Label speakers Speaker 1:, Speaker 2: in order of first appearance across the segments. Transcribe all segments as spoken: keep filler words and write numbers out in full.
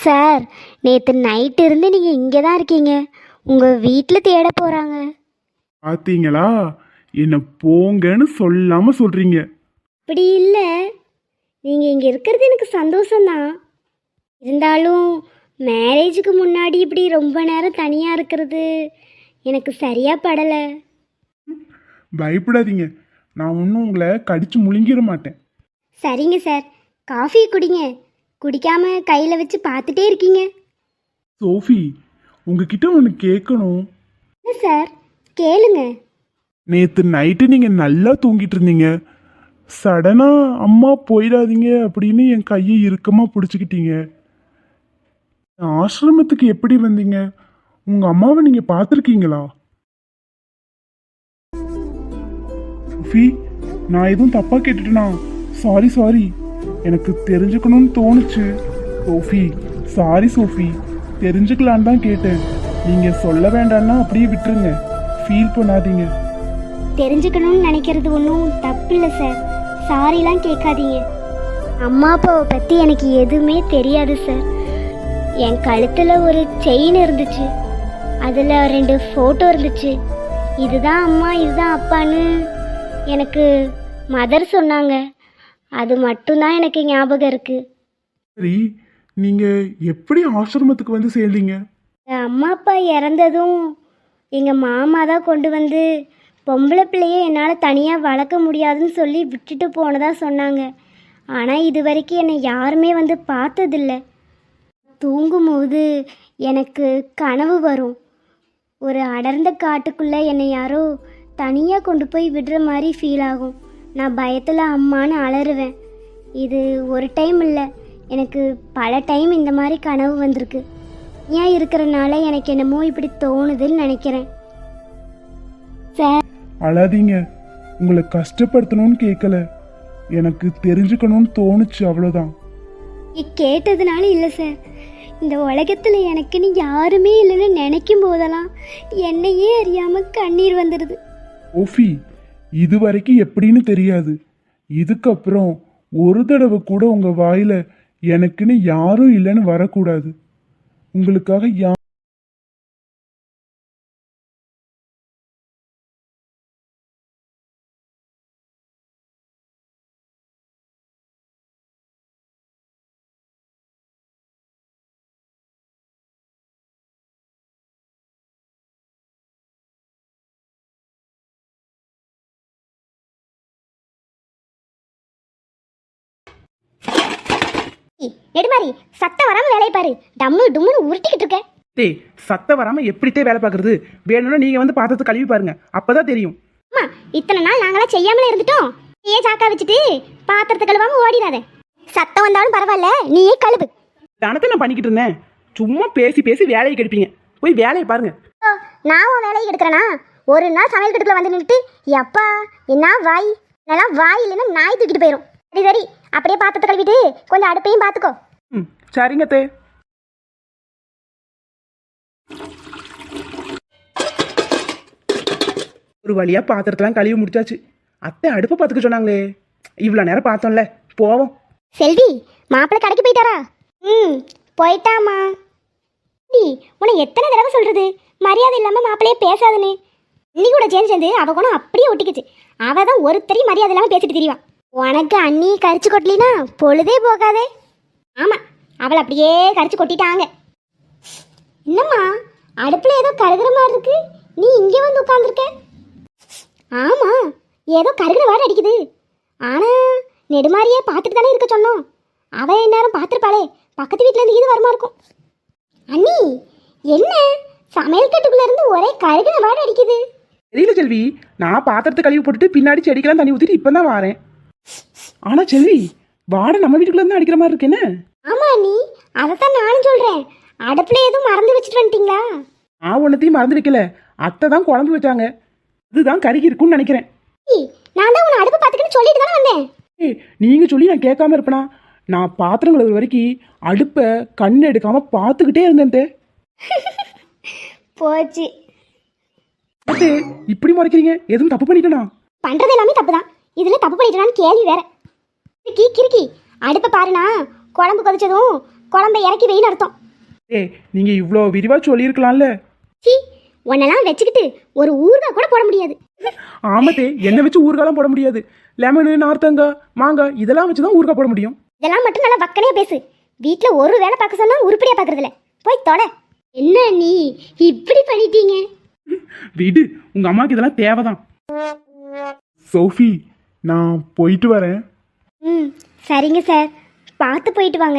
Speaker 1: Sir, நேற்று night இருந்து நீங்கள் இங்கே தான் இருக்கீங்க. உங்கள் வீட்டில் தேட போகிறாங்க.
Speaker 2: பார்த்தீங்களா, என்ன போங்கன்னு சொல்லாம சொல்றீங்க.
Speaker 1: அப்படி இல்லை, நீங்கள் இங்கே இருக்கிறது எனக்கு சந்தோஷம்தான். இருந்தாலும் மேரேஜுக்கு முன்னாடி இப்படி ரொம்ப நேரம் தனியாக இருக்கிறது எனக்கு சரியாக படலை.
Speaker 2: பயப்படாதீங்க, நான் ஒன்றும் உங்களை கடிச்சு முழுங்கிட மாட்டேன்.
Speaker 1: சரிங்க சார், காஃபி குடிங்க. குடிக்காம கையில் வச்சு பார்த்துட்டே இருக்கீங்க.
Speaker 2: சோஃபி, உங்ககிட்ட ஒன்று கேட்கணும்.
Speaker 1: என்ன சார், கேளுங்க.
Speaker 2: நேற்று நைட்டு நீங்கள் நல்லா தூங்கிட்டு இருந்தீங்க. சடனாக அம்மா போயிடாதீங்க அப்படின்னு என் கையை இறுக்கமாக பிடிச்சிக்கிட்டீங்க. ஆசிரமத்துக்கு எப்படி வந்தீங்க? உங்கள் அம்மாவை நீங்கள் பார்த்துருக்கீங்களா? சோஃபி, நான் எதுவும் தப்பாக கேட்டுட்டேனா? சாரி சாரி, எனக்கு தெரிஞ்சுக்கணும்னு தோணுச்சு. சோஃபி, சாரி சோஃபி, தெரிஞ்சுக்கலான்னு தான் கேட்டேன். நீங்கள் சொல்ல வேண்டாம்னா அப்படியே விட்டுருங்க, ஃபீல் பண்ணாதீங்க.
Speaker 1: தெரிஞ்சுக்கணும்னு நினைக்கிறது ஒன்றும் தப்பு இல்லை சார். சாரிலாம் கேட்காதீங்க. அம்மா அப்பாவை பற்றி எனக்கு எதுவுமே தெரியாது சார். என் கழுத்தில் ஒரு செயின் இருந்துச்சு, அதில் ரெண்டு ஃபோட்டோ இருந்துச்சு. இதுதான் அம்மா, இதுதான் அப்பான்னு எனக்கு மதர் சொன்னாங்க. அது மட்டும்தான் எனக்கு ஞாபகம் இருக்குது.
Speaker 2: சரி, நீங்கள் எப்படி ஆசிரமத்துக்கு வந்து சேர்ந்தீங்க?
Speaker 1: அம்மா அப்பா இறந்ததும் எங்கள் மாமா தான் கொண்டு வந்து பொம்பளை பிள்ளையை என்னால் தனியாக வளர்க்க முடியாதுன்னு சொல்லி விட்டுட்டு போனதா சொன்னாங்க. ஆனால் இது வரைக்கும் என்னை யாருமே வந்து பார்த்ததில்ல. தூங்கும்போது எனக்கு கனவு வரும். ஒரு அடர்ந்த காட்டுக்குள்ளே என்னை யாரோ தனியாக கொண்டு போய் விடுற மாதிரி ஃபீல் ஆகும். நான் பயத்தில் அம்மான்னு அலறுவேன். இது ஒரு டைம் இல்லை, எனக்கு பல டைம் இந்த மாதிரி கனவு வந்திருக்கு. ஏன் இருக்கிறனால எனக்கு என்னமோ இப்படி தோணுதுன்னு நினைக்கிறேன் சார்.
Speaker 2: அழாதீங்க, உங்களை கஷ்டப்படுத்தணும்னு கேட்கல, எனக்கு தெரிஞ்சுக்கணும்னு தோணுச்சு, அவ்வளோதான்.
Speaker 1: கேட்டதுனால இல்லை சார். இந்த உலகத்தில் எனக்குன்னு யாருமே இல்லைன்னு நினைக்கும் போதெல்லாம் என்னையே அறியாமல் கண்ணீர் வந்துடுது.
Speaker 2: ஓஃபி, இது வரைக்கும் எப்படின்னு தெரியாது. இதுக்கப்புறம் ஒரு தடவை கூட உங்கள் வாயில் எனக்குன்னு யாரும் இல்லைன்னு வரக்கூடாது. உங்களுக்காக யா
Speaker 1: நெடுமாரி, சத்தம் வராமல் வேலையை பாரு. டம்மு டும்முன்னு உருட்டிக்கிட்டு இருக்க.
Speaker 3: டேய், சத்தம் வராமல் எப்படித்தே வேலை பார்க்குறது? வேணும்னா நீங்கள் வந்து பாத்திரத்தை கழுவி பாருங்க, அப்போ தான் தெரியும்.
Speaker 1: அம்மா, இத்தனை நாள் நாங்களாம் செய்யாமலே இருந்துட்டோம். ஏன் சாக்கா வச்சுட்டு பாத்திரத்தை கழுவாமல் ஓடிடாத. சத்தம் வந்தாலும் பரவாயில்ல, நீயே கழுவு.
Speaker 3: தானத்தை நான் பண்ணிக்கிட்டு இருந்தேன். சும்மா பேசி பேசி வேலையை கெடுப்பீங்க. போய் வேலையை பாருங்க.
Speaker 1: ஓ, நான் உன் வேலையை எடுக்கிறேன்னா? ஒரு நாள் சமையல் கட்டுக்குள்ள வந்து நின்றுட்டு எப்பா என்ன வாய், நல்லா வாய் இல்லைன்னா நாய் தூக்கிட்டு போயிடும். சரி சரி, அப்படியே பாத்திரத்தை கழுவிட்டு கொஞ்சம் அடுப்பையும் பார்த்துக்கோ.
Speaker 3: ம், சரிங்க தே. ஒரு வழியாக பாத்திரத்தெல்லாம் கழுவி முடிச்சாச்சு. அத்தை அடுப்பை பார்த்துக்க சொன்னாங்களே, இவ்வளோ நேரம் பார்த்தோம்ல, போவோம்.
Speaker 1: செல்வி, மாப்பிள்ளை கடைக்கு போயிட்டாரா? ம், போயிட்டாமா. நீ உன்னை எத்தனை தடவை சொல்றது மரியாதை இல்லாமல் மாப்பிள்ளையே பேசாதுன்னு? அண்ணி கூட சேர்ந்து சேர்ந்து அவ குணம் அப்படியே ஒட்டிக்குச்சு. அவ தான் ஒருத்தரையும் மரியாதை இல்லாமல் பேசிட்டு தெரியவா. உனக்கு அண்ணி கரிச்சு கொட்டலினா பொழுதே போகாதே. ஆமாம், அவளை அப்படியே கரிச்சு கொட்டிட்டாங்க. என்னம்மா, அடுப்பில் ஏதோ கருகிற மாதிரி இருக்கு, நீ இங்கே வந்து உட்காந்துருக்க? ஆமாம், ஏதோ கருகிற வாடை அடிக்குது. ஆனால் நெடுமாரியே பார்த்துட்டு தானே இருக்க சொன்னோம். அவள் எந்நேரம் பார்த்துருப்பாளே, பக்கத்து வீட்டிலேருந்து இது வருமா இருக்கும். அண்ணி, என்ன சமையல் கட்டுக்குள்ள இருந்து ஒரே கருகிற வாடை அடிக்குது?
Speaker 3: தெரியல செல்வி, நான் பாத்திரத்தை கழுவி போட்டுட்டு பின்னாடி செடிக்கெல்லாம் தண்ணி ஊற்றிட்டு இப்போ தான் வரேன். ஆனால் செல்வி, வாடை நம்ம வீட்டுக்குள்ள இருந்து அடிக்கிற மாதிரி இருக்கு. என்ன?
Speaker 1: ஆமா அண்ணி, அதைத்தான் நானும் சொல்கிறேன். அடுப்பில் எதுவும் மறந்து வச்சுட்டு வந்துட்டீங்களா?
Speaker 3: நான் ஒன்றத்தையும் மறந்து வைக்கல, அத்தை தான் குழம்பு வச்சாங்க, அதுதான் கருகி இருக்குன்னு நினைக்கிறேன்.
Speaker 1: நான் தான் உன்னை அடுப்பு பார்த்துக்கின்னு சொல்லிட்டு தானே வந்தேன்.
Speaker 3: ஏய், நீங்கள் சொல்லி நான் கேட்காம இருப்பேனா? நான் பாத்திரம் கழுவுற வரைக்கும் அடுப்பை கண் எடுக்காம பார்த்துக்கிட்டே இருந்தேன்.
Speaker 1: போச்சு.
Speaker 3: அத்தை, இப்படி முறைக்கிறீங்க? எதுவும் தப்பு பண்ணிட்டேனா?
Speaker 1: பண்றது எல்லாமே தப்பு தான், இதில் தப்பு பண்ணிட்டேனான்னு கேள்வி வேற. கிறுக்கி கிறுக்கி அடுப்பை பாருனா, குழம்பு கொதிச்சதும் குழம்பை இறக்கி வெயின்னு அர்த்தம்.
Speaker 3: ஏய் நீங்க இவ்வளோ விரிவா சொல்லியிருக்கலாம்ல.
Speaker 1: சி உன்னெல்லாம் வச்சுக்கிட்டு ஒரு ஊறுகாய் கூட போட முடியாது.
Speaker 3: ஆமத்தே என்ன வச்சு ஊறுகாலாம் போட முடியாது. லெமனு நார்த்தங்காய் மாங்காய் இதெல்லாம் வச்சு தான் ஊறுகாய் போட முடியும்.
Speaker 1: இதெல்லாம் மட்டும் நல்லா வக்கனையா பேசு. வீட்டில் ஒரு வேலை பார்க்க சொன்னா உருப்படியா பார்க்கறதில்ல. போய் தொட. என்ன நீ இப்படி பண்ணிட்டீங்க?
Speaker 3: விடு, உங்க அம்மாக்கு இதெல்லாம் தேவைதான்.
Speaker 2: சோஃபி நான் போயிட்டு வரேன்.
Speaker 1: ம் சரிங்க சார், பார்த்து போயிட்டு வாங்க.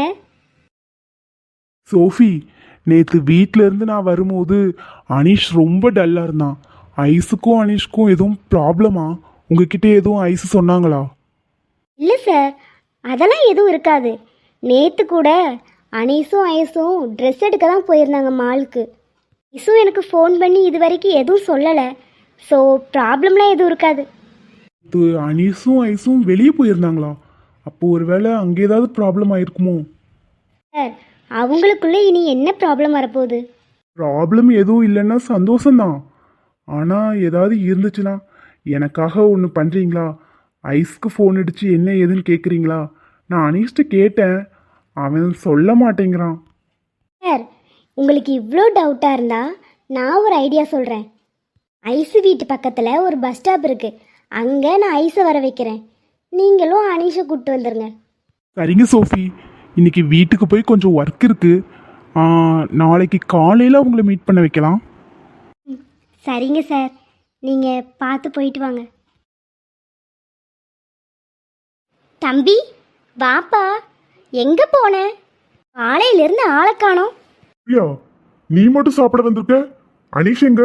Speaker 2: சோஃபி நேற்று வீட்டில இருந்து நான் வரும்போது அனீஷ் ரொம்ப டல்லா இருந்தான். ஐஸுக்கும் அனீஷ்க்கும் எதுவும் ப்ராப்ளமா? உங்ககிட்ட எதுவும் ஐஸ் சொன்னாங்களா?
Speaker 1: இல்லை சார், அதெல்லாம் எதுவும் இருக்காது. நேற்று கூட அனீஸும் ஐஸும் ட்ரெஸ் எடுக்க தான் போயிருந்தாங்க மாலுக்கு. ஐஸும் எனக்கு ஃபோன் பண்ணி இது வரைக்கும் எதுவும் சொல்லலை. ஸோ ப்ராப்ளம்லாம் எதுவும் இருக்காது.
Speaker 2: இது அனீஸும் ஐஸும் வெளியே போயிருந்தாங்களா? அப்போ ஒருவேளை அங்கே ஏதாவது ப்ராப்ளம் ஆயிருக்குமோ?
Speaker 1: சார் அவங்களுக்குள்ளே இனி என்ன ப்ராப்ளம் வரப்போகுது?
Speaker 2: ப்ராப்ளம் எதுவும் இல்லைன்னா சந்தோஷம்தான். ஆனால் ஏதாவது இருந்துச்சுன்னா எனக்காக ஒன்று பண்ணுறீங்களா? ஐஸ்க்கு ஃபோன் அடித்து என்ன ஏதுன்னு கேட்குறீங்களா? நான் அனீஷ்ட கேட்டேன், அவன் சொல்ல மாட்டேங்கிறான்.
Speaker 1: சார் உங்களுக்கு இவ்வளோ டவுட்டாக இருந்தால் நான் ஒரு ஐடியா சொல்கிறேன். ஐஸு வீட்டு பக்கத்தில் ஒரு பஸ் ஸ்டாப் இருக்குது. அங்கே நான் ஐஸை வர வைக்கிறேன். நீங்களும் அனீஷை கூப்பிட்டு வந்துடுங்க.
Speaker 2: சரிங்க சோஃபி, இன்னைக்கு வீட்டுக்கு போய் கொஞ்சம் ஒர்க் இருக்கு. ஆ, நாளைக்கு காலையில் உங்களை மீட் பண்ண வைக்கலாம்.
Speaker 1: சரிங்க சார், நீங்கள் பார்த்து போயிட்டு வாங்க. தம்பி வாப்பா, எங்கே போன? காலையிலேருந்து ஆளை காணோம்.
Speaker 2: பிரியா, நீ மட்டும் சாப்பிட வந்திருக்க? அனீஷ் எங்க?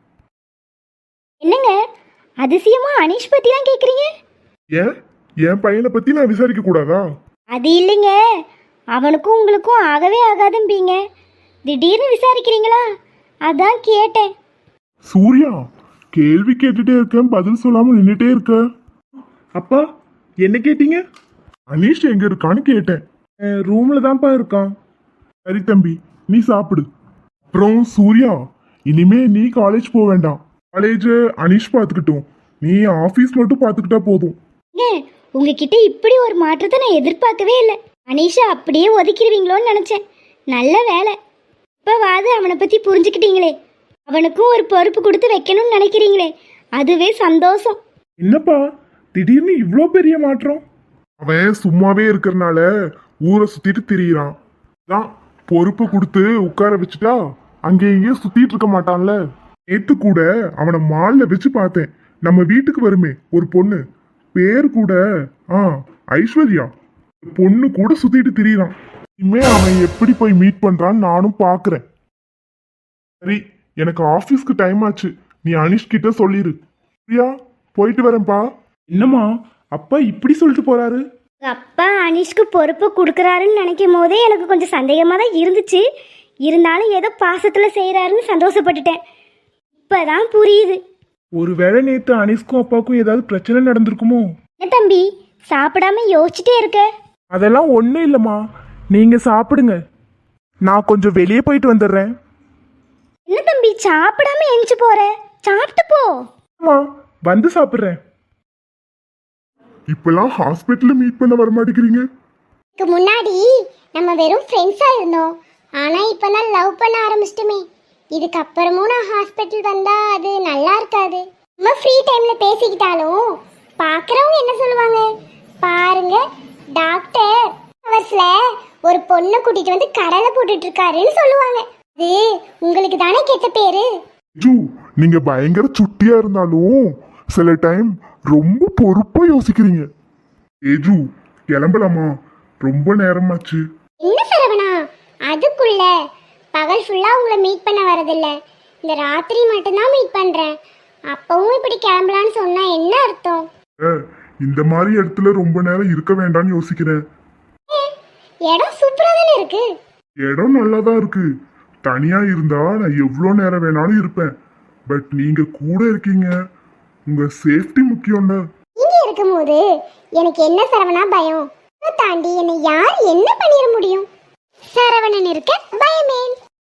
Speaker 1: என்னங்க அதிசயமா அனீஷ் பற்றிலாம் கேட்குறீங்க?
Speaker 2: ஏன் என் பையனை பத்தி நான் விசாரிக்க கூடாதா?
Speaker 1: அது இல்லைங்க, அவனுக்கும் உங்களுக்கும் ஆகவே ஆகாதும்பீங்க. திடீர்னு விசாரிக்கிறீங்களா, அதான் கேட்டேன்.
Speaker 2: சூர்யா, கேள்வி கேட்டுட்டே இருக்கேன், பதில் சொல்லாம நின்றுட்டே இருக்க. அப்பா என்ன கேட்டீங்க? அனீஷ் எங்க இருக்கான்னு கேட்டேன். ரூம்ல தான்ப்பா இருக்கான். சரி தம்பி, நீ சாப்பிடு. அப்புறம் சூர்யா, இனிமே நீ காலேஜ் போக வேண்டாம். காலேஜ் அனீஷ் பார்த்துக்கிட்டோம், நீ ஆஃபீஸ் மட்டும் பார்த்துக்கிட்டா போதும்.
Speaker 1: ஏங்க உங்ககிட்ட இப்படி ஒரு மாற்றத்தை நான் எதிர்பார்க்கவே இல்லை. அனீஷா அப்படியே ஒதுக்கிடுவீங்களோன்னு நினச்சேன். நல்ல வேலை, இப்போவாது அவனை பற்றி புரிஞ்சுக்கிட்டீங்களே. அவனுக்கும் ஒரு பொறுப்பு கொடுத்து வைக்கணும்னு நினைக்கிறீங்களே, அதுவே சந்தோஷம்.
Speaker 2: என்னப்பா திடீர்னு இவ்வளோ பெரிய மாற்றம்? அவன் சும்மாவே இருக்கிறனால ஊரை சுத்திட்டு திரியிறான். தான் பொறுப்பு கொடுத்து உட்கார வச்சுட்டா அங்கே இங்கேயும் சுத்திட்டு இருக்க மாட்டான்ல. நேத்து கூட அவனை மால்ல வச்சு பார்த்தேன். நம்ம வீட்டுக்கு வருமே ஒரு பொண்ணு, பேர் கூட ஆ ஐஸ்வர்யா, பொண்ணு கூட சுத்திட்டு திரியிறான். இனிமே அவன் எப்படி போய் மீட் பண்றான்னு நானும் பாக்குறேன். சரி, எனக்கு ஆபீஸ்க்கு டைம் ஆச்சு, நீ அனிஷ் கிட்ட சொல்லிரு. பிரியா, போயிட்டு வரேன்ப்பா. என்னம்மா அப்பா இப்படி சொல்லிட்டு போறாரு?
Speaker 1: உங்கள் அப்பா அனீஷ்க்கு பொறுப்பு கொடுக்குறாருன்னு நினைக்கும் போதே எனக்கு கொஞ்சம் சந்தேகமாக தான் இருந்துச்சு. இருந்தாலும் ஏதோ பாசத்தில் செய்கிறாருன்னு சந்தோஷப்பட்டுட்டேன். இப்போ தான் புரியுது.
Speaker 2: ஒருவேளை நேத்து அனிஷ்க்கும் அப்பாவுக்கும் ஏதாவது பிரச்சனை நடந்திருக்குமோ?
Speaker 1: என்ன தம்பி சாப்பிடாம யோசிச்சுட்டே இருக்க?
Speaker 2: அதெல்லாம் ஒன்றும் இல்லைம்மா, நீங்க சாப்பிடுங்க, நான் கொஞ்சம் வெளியே போயிட்டு வந்துடுறேன்.
Speaker 1: என்ன தம்பி சாப்பிடாம எந்திச்சு போற? சாப்பிட்டு போ.
Speaker 2: அம்மா வந்து சாப்பிட்றேன். இப்பெல்லாம் ஹாஸ்பிட்டல்ல மீட் பண்ண வர மாட்டேங்கிறீங்க.
Speaker 1: இதுக்கு முன்னாடி நம்ம வெறும் ஃப்ரெண்ட்ஸாக இருந்தோம். ஆனால் இப்போ தான் லவ் பண்ண ஆரம்பிச்சிட்டுமே. இதுக்கப்புறமும் நான் ஹாஸ்பிட்டல் வந்தால் அது நல்லா இருக்காது. நம்ம ஃப்ரீ டைமில் பேசிக்கிட்டாலும் பார்க்குறவங்க என்ன சொல்லுவாங்க? பாருங்க டாக்டர் ஹவர்ஸில் ஒரு பொண்ணை கூட்டிகிட்டு வந்து கடலை போட்டுட்டு இருக்காருன்னு சொல்லுவாங்க. அது உங்களுக்கு தானே கெட்ட பேரு.
Speaker 2: ஜூ, நீங்க பயங்கர சுட்டியா இருந்தாலும் சில டைம் ரொம்ப பொறுப்பா யோசிக்கிறீங்க. ஏஜு, கிளம்பலாமா? ரொம்ப நேரமாச்சு.
Speaker 1: என்ன சரவணா, அதுக்குள்ள பகல் ஃபுல்லாக உங்களை மீட் பண்ண வரதில்ல, இந்த ராத்திரி மட்டும்தான் மீட் பண்ணுறேன். அப்பவும் இப்படி கிளம்பலான்னு சொன்னால் என்ன அர்த்தம்?
Speaker 2: இந்த மாதிரி இடத்துல ரொம்ப நேரம் இருக்க வேண்டாம்னு யோசிக்கிறேன்.
Speaker 1: இடம் சூப்பராக தானே இருக்கு.
Speaker 2: இடம் நல்லா தான் இருக்கு. தனியா இருந்தா நான் எவ்வளோ நேரம் வேணாலும் இருப்பேன். பட் நீங்க கூட இருக்கீங்க, உங்க சேஃப்டி முக்கியம்ல.
Speaker 1: நீங்க இருக்கும்போது எனக்கு என்ன சரவணா பயம்? அதை தாண்டி என்னை யார் என்ன பண்ணிட முடியும்? சரவணன் இருக்க பயமே.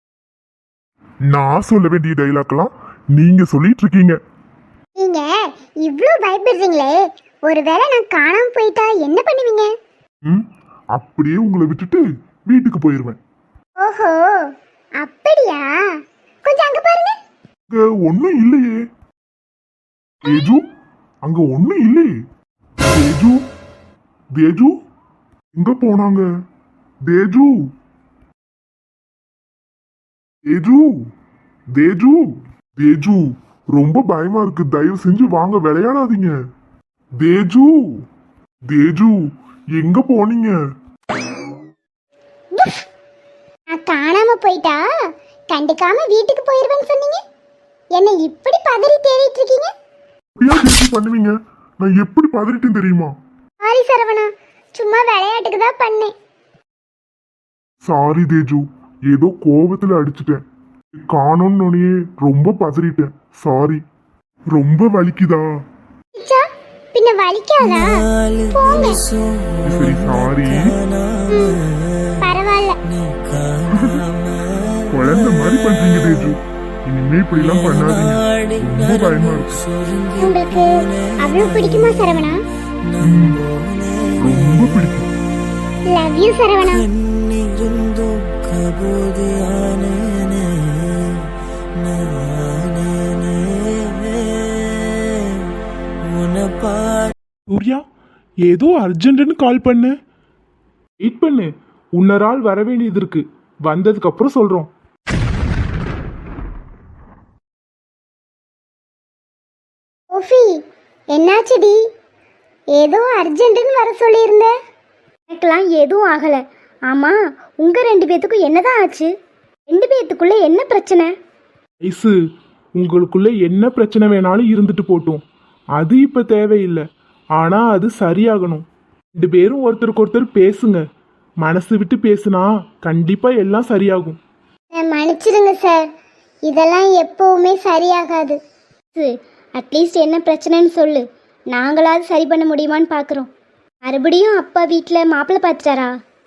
Speaker 2: நான் சொல்ல வேண்டிய டைலாக்லாம் நீங்க சொல்லிட்டு இருக்கீங்க.
Speaker 1: நீங்க இவ்ளோ பயப்படுறீங்களே, ஒருவேளை நான் காணாம போயிட்டா என்ன பண்ணுவீங்க?
Speaker 2: ம் அப்படியே உங்களை விட்டுட்டு
Speaker 4: வீட்டுக்கு போயிருவேன்.
Speaker 1: ஓஹோ அப்படியா? கொஞ்சம் அங்க பாருங்க.
Speaker 4: அங்க ஒண்ணும் இல்லையே. தேஜு, அங்க ஒண்ணும் இல்லையே. தேஜு, தேஜு எங்க போனாங்க? தேஜு, தேஜு, தேஜு, தேஜு ரொம்ப பயமா இருக்கு. தயவு செஞ்சு வாங்க, விளையாடாதீங்க. தேஜு, தேஜு எங்க போனீங்க?
Speaker 1: நான் காணாம போயிட்டா கண்டுக்காம வீட்டுக்கு போயிருவேன்னு சொன்னீங்க. என்ன இப்படி பதறி தேடிட்டு இருக்கீங்க?
Speaker 4: அப்படியா தேஜு பண்ணுவீங்க? நான் எப்படி பதறிட்டேன் தெரியுமா?
Speaker 1: சாரி சரவணா, சும்மா விளையாட்டுக்கு தான் பண்ணேன்.
Speaker 4: சாரி தேஜு, ஏதோ கோபத்துல அடிச்சிட்டேன். காணோன்னு ரொம்ப பதறிட்டேன். சாரி. ரொம்ப வலிக்குதா?
Speaker 1: ச்சா, பின்ன வலிக்காதா? போங்க.
Speaker 4: சரி சாரி.
Speaker 1: பரவாயில்ல.
Speaker 4: குழந்தை மாதிரி பண்றீங்க தேஜு. இனிமே இப்படி எல்லாம் பண்ணாதீங்க. ரொம்ப பயமா இருக்கு.
Speaker 1: உங்களுக்கு அவ்வளவு பிடிக்குமா சரவணா?
Speaker 4: ம், ரொம்ப பிடிக்கும்.
Speaker 1: Love you Saravana.
Speaker 2: சூர்யா, ஏதோ அர்ஜென்ட்னு கால் பண்ண. வெயிட் பண்ணு, உன்னொரு ஆள் வர வேண்டியது இருக்கு. வந்ததுக்கு அப்புறம் சொல்றோம்.
Speaker 1: ஓஃபி, என்னாச்சுடி? ஏதோ அர்ஜென்ட்னு வர சொல்லியிருந்த. எனக்கெல்லாம் எதுவும் ஆகல. ஆமா, உங்க ரெண்டு பேத்துக்கும் என்னதான் ஆச்சு? ரெண்டு பேத்துக்குள்ள என்ன பிரச்சனை?
Speaker 2: ஐசு, உங்களுக்குள்ள என்ன பிரச்சனை வேணாலும் இருந்துட்டு போட்டும். அது இப்ப தேவையில்லை. ஆனா அது சரியாகணும். ரெண்டு பேரும் ஒருத்தருக்கு ஒருத்தர் பேசுங்க. மனசு விட்டு பேசுனா கண்டிப்பா எல்லாம் சரியாகும்.
Speaker 1: மன்னிச்சிடுங்க சார், இதெல்லாம் எப்பவுமே சரியாகாது. அட்லீஸ்ட் என்ன பிரச்சனைன்னு சொல்லு, நாங்களாவது சரி பண்ண முடியுமான்னு பார்க்குறோம். மறுபடியும் அப்பா வீட்டில் மாப்பிள்ளை பார்த்துட்டாரா?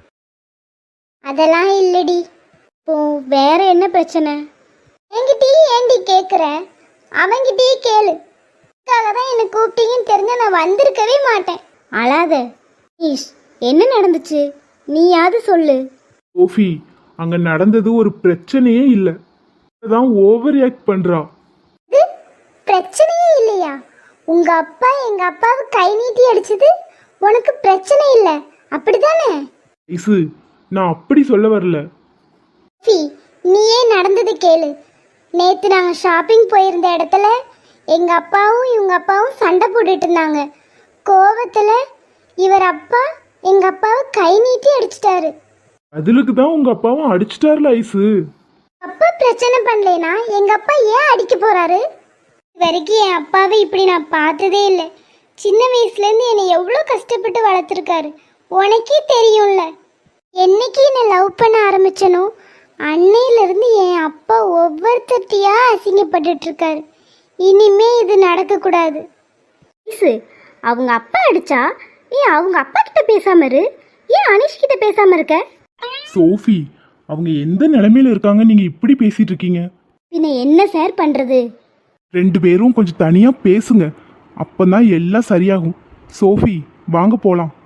Speaker 1: அதெல்லாம் இல்லடி. இப்போ வேற என்ன பிரச்சனை? என்கிட்டயே ஏண்டி கேட்குற? அவங்கிட்டயே கேளு. அதுக்காக தான் என்னை கூப்பிட்டீங்கன்னு தெரிஞ்சா நான் வந்திருக்கவே மாட்டேன். அழாத. ஈஷ், என்ன நடந்துச்சு? நீயாவது சொல்லு.
Speaker 2: ஓஃபி, அங்க நடந்தது ஒரு பிரச்சனையே இல்லை. தான் ஓவர் ரியாக்ட் பண்றா.
Speaker 1: இது பிரச்சனையே இல்லையா? உங்க அப்பா எங்க அப்பாவை கை நீட்டி அடிச்சது உனக்கு பிரச்சனை இல்லை, அப்படிதானே?
Speaker 2: ஐசு, நான் அப்படி சொல்ல வரல.
Speaker 1: ஃபி, நீயே நடந்தது கேளு. நேத்து நாங்க ஷாப்பிங் போயிருந்த இடத்துல எங்க அப்பாவும் இவங்க அப்பாவும் சண்டை போட்டுட்டு இருந்தாங்க. கோவத்துல இவர் அப்பா எங்க அப்பாவை கை நீட்டி அடிச்சிட்டாரு.
Speaker 2: அதுக்கு தான் உங்க அப்பாவும் அடிச்சிட்டார்ல ஐசு.
Speaker 1: அப்பா பிரச்சனை பண்ணலைனா எங்க அப்பா ஏன் அடிக்க போறாரு? இது வரைக்கும் என் அப்பாவை இப்படி நான் பார்த்ததே இல்லை. சின்ன வயசுல இருந்து என்னை எவ்வளோ கஷ்டப்பட்டு வளர்த்துருக்காரு, உனக்கே தெரியும்ல. என்னைக்கு என்னை லவ் பண்ண ஆரம்பிச்சனோ அன்னையிலிருந்து என் அப்பா ஒவ்வொருத்தட்டியா அசிங்கப்பட்டுட்டு இருக்காரு. இனிமே இது நடக்கக்கூடாது. அவங்க அப்பா அடிச்சா ஏன் அவங்க அப்பா கிட்ட பேசாம இரு, ஏன் அனிஷ் கிட்ட பேசாம இருக்க?
Speaker 2: சோஃபி, அவங்க எந்த நிலைமையில இருக்காங்க நீங்க இப்படி பேசிட்டு இருக்கீங்க?
Speaker 1: பின்ன என்ன சார் பண்றது?
Speaker 2: ரெண்டு பேரும் கொஞ்சம் தனியா பேசுங்க. அப்பதான் எல்லாம் சரியாகும். சோஃபி, வாங்க போலாம்.